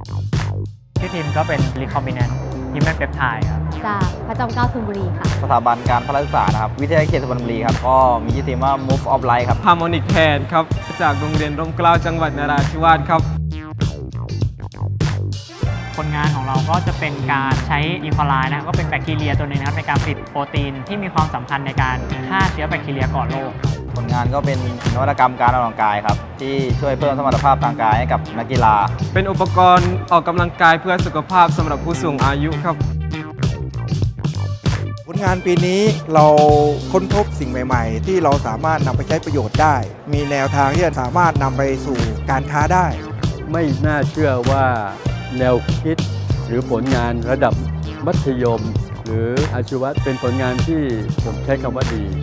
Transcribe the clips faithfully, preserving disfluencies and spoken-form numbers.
ที่ทีมก็เป็น recombinant human peptide ครับจากพระจอมเกล้าธนบุรีค่ะสถาบันการพละศึกษานะครับวิทยาเขตสุพรรณบุรีครับก็มีชื่อทีมว่า Move of Light ครับ Harmonic Hand ครับจากโรงเรียนร่มเกล้าจังหวัดนราธิวาสครับผลงานของเราก็จะเป็นการใช้อีโคไลนะครับก็เป็นแบคทีเรียตัวหนึงนะครับในการผลิตโปรตีนที่มีความสำคัญในการฆ่าเชื้อแบคทีเรียก่อโรคผลงานก็เป็นนวัตกรรมการออกกำลังกายครับที่ช่วยเพิ่มสมรรถภาพทางกายให้กับนักกีฬาเป็นอุปกรณ์ออกกำลังกายเพื่อสุขภาพสำหรับผู้สูงอายุครับผลงานปีนี้เราค้นพบสิ่งใหม่ๆที่เราสามารถนำไปใช้ประโยชน์ได้มีแนวทางที่จะสามารถนำไปสู่การค้าได้ไม่น่าเชื่อว่าแนวคิดหรือผลงานระดับมัธยมหรืออาชีวะเป็นผลงานที่ผมใช้คำว่าดี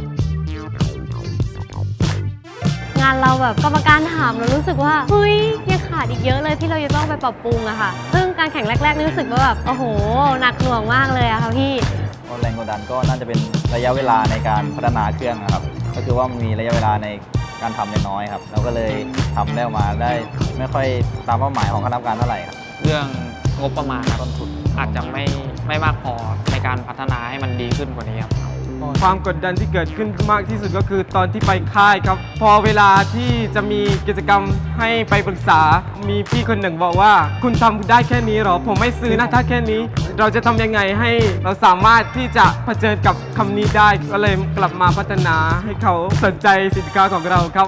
งานเราแบบกรรมการถามเรารู้สึกว่าเฮ้ยยังขาดอีกเยอะเลยที่เราจะต้องไปปรับปรุงอะค่ะซึ่งการแข่งแรกๆรู้สึกว่าแบบโอ้โหหนักหน่วงมากเลยอะค่ะพี่แรงกดดันก็น่าจะเป็นระยะเวลาในการพัฒนาเครื่องนะครับก็คือว่ามีระยะเวลาในการทำน้อยครับเราก็เลยทำได้ออกมาได้ไม่ค่อยตามเป้าหมายของคณะกรรมการเท่าไหร่ครับเรื่องงบประมาณต้นทุนอาจจะไม่ไม่มากพอในการพัฒนาให้มันดีขึ้นกว่านี้ครับความกดดันที่เกิดขึ้นมากที่สุดก็คือตอนที่ไปค่ายครับพอเวลาที่จะมีกิจกรรมให้ไปปรึกษามีพี่คนหนึ่งบอกว่าคุณทำได้แค่นี้หรอผมไม่ซื้อนะถ้าแค่นี้เราจะทำยังไงให้เราสามารถที่จะเผชิญกับคำนี้ได้ก็เลยกลับมาพัฒนาให้เขาสนใจสินค้าของเราครับ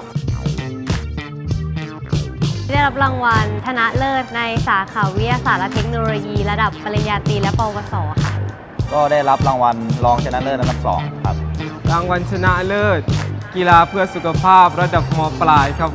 ได้รับรางวัลชนะเลิศในสาขาวิทยาศาสตร์และเทคโนโลยีระดับปริญญาตรีและปวสค่ะก็ได้รับรางวัลรองชนะเลิศอันดับสองครับรางวัลชนะเลิศกีฬาเพื่อสุขภาพระดับม.ปลายครับ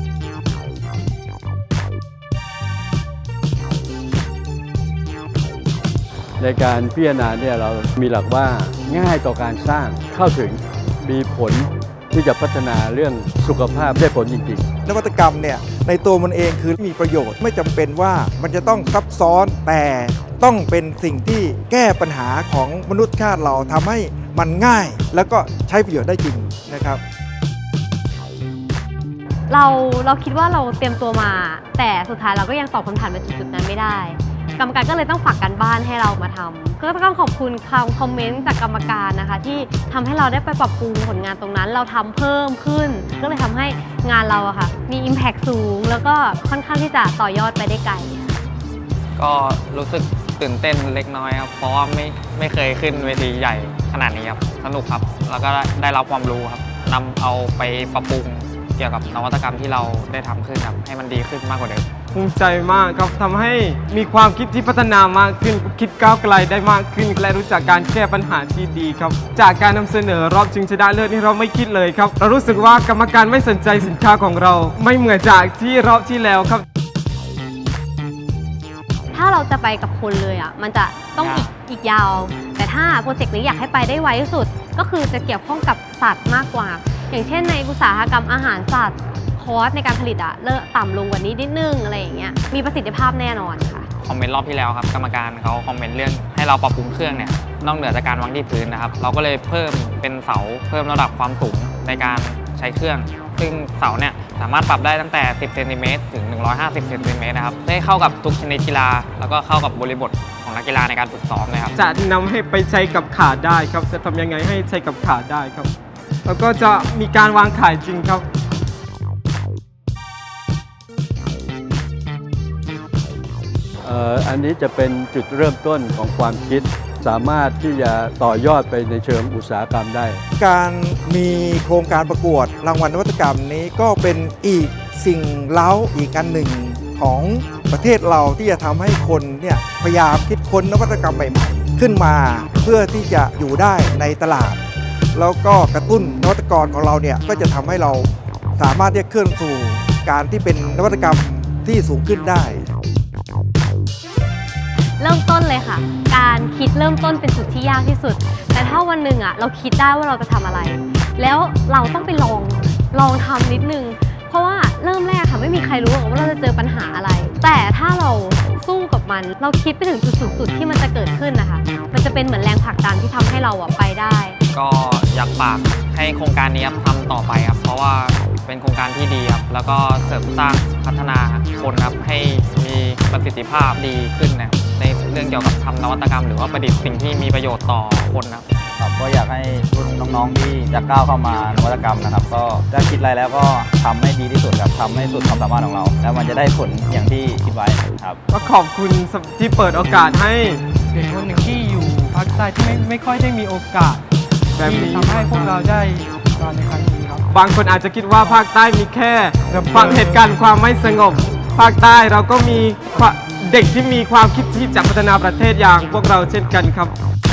ในการพิจารณาเนี่ยเรามีหลักว่าง่ายต่อการสร้างเข้าถึงมีผลที่จะพัฒนาเรื่องสุขภาพได้ผลจริงๆนวัตกรรมเนี่ยในตัวมันเองคือมีประโยชน์ไม่จำเป็นว่ามันจะต้องซับซ้อนแต่ต้องเป็นสิ่งที่แก้ปัญหาของมนุษยชาติเราทำให้มันง่ายแล้วก็ใช้ประโยชน์ได้จริงนะครับเราเราคิดว่าเราเตรียมตัวมาแต่สุดท้ายเราก็ยังตอบคำถามในจุดๆนั้นไม่ได้กรรมการก็เลยต้องฝากการบ้านให้เรามาทำก็ต้องขอบคุณคำคอมเมนต์จากกรรมการนะคะที่ทำให้เราได้ไปปรับปรุงผลงานตรงนั้นเราทำเพิ่มขึ้นก็เลยทำให้งานเราอะค่ะมี Impact สูงแล้วก็ค่อนข้างที่จะต่อยอดไปได้ไกลก็รู้สึกตื่นเต้นเล็กน้อยครับเพราะว่าไม่ไม่เคยขึ้นเวทีใหญ่ขนาดนี้ครับสนุกครับแล้วก็ได้รับความรู้ครับนำเอาไปปรับปรุงเกี่ยวกับนวัตกรรมที่เราได้ทำขึ้นครับให้มันดีขึ้นมากกว่าเดิมภูมิใจมากครับทำให้มีความคิดที่พัฒนามากขึ้นคิดก้าวไกลได้มากขึ้นและรู้จักการแก้ปัญหาที่ดีครับจากการนำเสนอรอบชิงชนะเลิศนี่เราไม่คิดเลยครับเรารู้สึกว่ากรรมการไม่สนใจสินค้าของเราไม่เหมือนจากที่รอบที่แล้วครับถ้าเราจะไปกับคนเลยอ่ะมันจะต้องอีกอีกยาวแต่ถ้าโปรเจกต์นี้อยากให้ไปได้ไวที่สุดก็คือจะเกี่ยวข้องกับสัตว์มากกว่าอย่างเช่นในอุตสาหกรรมอาหารสัตว์คอสในการผลิตอะเลิกต่ำลงกว่านี้นิดนึงอะไรอย่างเงี้ยมีประสิทธิภาพแน่นอนค่ะคอมเมนต์รอบที่แล้วครับกรรมการเขาคอมเมนต์เรื่องให้เราปรับปรุงเครื่องเนี่ยนอกเหนือจากการวางที่พื้นนะครับเราก็เลยเพิ่มเป็นเสาเพิ่มระดับความสูงในการใช้เครื่องซึ่งเสาเนี่ยสามารถปรับได้ตั้งแต่สิบเซนติเมตรถึงหนึ่งร้อยห้าสิบเซนติเมตรนะครับได้เข้ากับทุกชนิดกีฬาแล้วก็เข้ากับบริบทของนักกีฬาในการฝึกซ้อมเลยครับจะนำให้ไปใช้กับขาได้ครับจะทำยังไงให้ใช้กับขาได้ครับแล้วก็จะมีการวางขายจริงครับอันนี้จะเป็นจุดเริ่มต้นของความคิดสามารถที่จะต่อยอดไปในเชิงอุตสาหกรรมได้การมีโครงการประกวดรางวัลนวัตกรรมนี้ก็เป็นอีกสิ่งเล้าอีกอันหนึ่งของประเทศเราที่จะทำให้คนเนี่ยพยายามคิดค้นนวัตกรรมใหม่ๆขึ้นมาเพื่อที่จะอยู่ได้ในตลาดแล้วก็กระตุ้นนวัตกรของเราเนี่ยก็จะทำให้เราสามารถที่จะเคลื่อนสู่การที่เป็นนวัตกรรมที่สูงขึ้นได้เริ่มต้นเลยค่ะการคิดเริ่มต้นเป็นจุดที่ยากที่สุดแต่ถ้าวันหนึ่งอ่ะเราคิดได้ว่าเราจะทำอะไรแล้วเราต้องไปลองลองทำนิดนึงเพราะว่าเริ่มแรกค่ะไม่มีใครรู้หรอกว่าเราจะเจอปัญหาอะไรแต่ถ้าเราสู้กับมันเราคิดไปถึงจุดสูงสุดที่มันจะเกิดขึ้นนะคะมันจะเป็นเหมือนแรงผลักดันที่ทำให้เราอ่ะไปได้ก็อยากฝากให้โครงการนี้ทำต่อไปครับเพราะว่าเป็นโครงการที่ดีครับแล้วก็เสริมสร้างพัฒนาคนครับให้มีประสิทธิภาพดีขึ้นนะครับในเรื่องเกี่ยวกับทำนวัตกรรมหรือว่าประดิษฐ์สิ่งที่มีประโยชน์ต่อคนนะครับครับก็อยากให้รุ่นน้องๆที่จะก้าวเข้ามานวัตกรรมนะครับ ก็ถ้าคิดอะไรแล้วก็ทำให้ดีที่สุดครับทำให้สุดความสามารถของเรา แล้วมันจะได้ผลอย่างที่คิดไว้ครับก็ขอบคุณที่เปิดโอกาสให้เป็นคนหนึ่งที่อยู่ภาคใต้ที่ไม่ไม่ค่อยได้มีโอกาสแบบนี้ที่ทำให้พวกเราได้การในครั้งนี้ครับบางคนอาจจะคิดว่าภาคใต้มีแค่ฟังเหตุการณ์ความไม่สงบ ภาคใต้เราก็มีเด็กที่มีความคิดที่จะพัฒนาประเทศอย่างพวกเราเช่นกันครับ